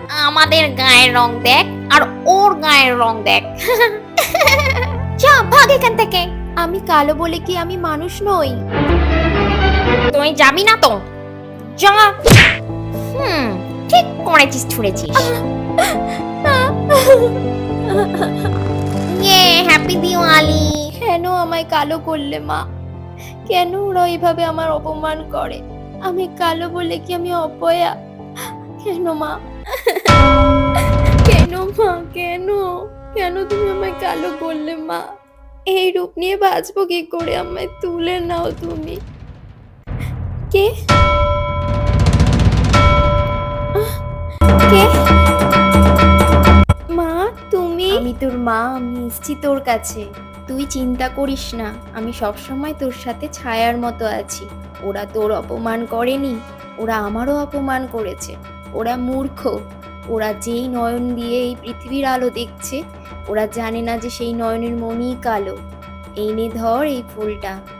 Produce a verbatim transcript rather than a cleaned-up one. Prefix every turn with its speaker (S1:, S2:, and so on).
S1: আমাদের গায়ের রং দেখ আর ওর গায়ের রং দেখ। যা ভাগ এখান থেকে।
S2: আমি কালো বলে কি আমি মানুষ নই?
S1: তুই যাবি না তো? যা। হুম, ঠিক করেছিস, ছুঁড়েছিস। ইয়ে, হ্যাপি দিওয়ালি।
S2: কেন আমায় কালো করলে মা? কেন ওরা এভাবে আমার অপমান করে? আমি কালো বলে কি আমি অপয়া? কেন মা? কেন মা? কেন কেন তুমি আমায় কালো করলে মা? এই রূপ নিয়ে বাঁচবো কি করে? আমায় তুলে নাও তুমি। কে? আহ, কে? মা, তুমি? আমি তোর মা, আমি এসেছি তোর কাছে। তুই চিন্তা করিস না, আমি সবসময় তোর সাথে ছায়ার মতো আছি। ওরা তোর অপমান করেনি, ওরা আমারও অপমান করেছে। ওরা মূর্খ। ওরা যেই নয়ন দিয়ে এই পৃথিবীর আলো দেখছে, ওরা জানে না যে সেই নয়নের মনই কালো। এই নে ধর এই ফুলটা।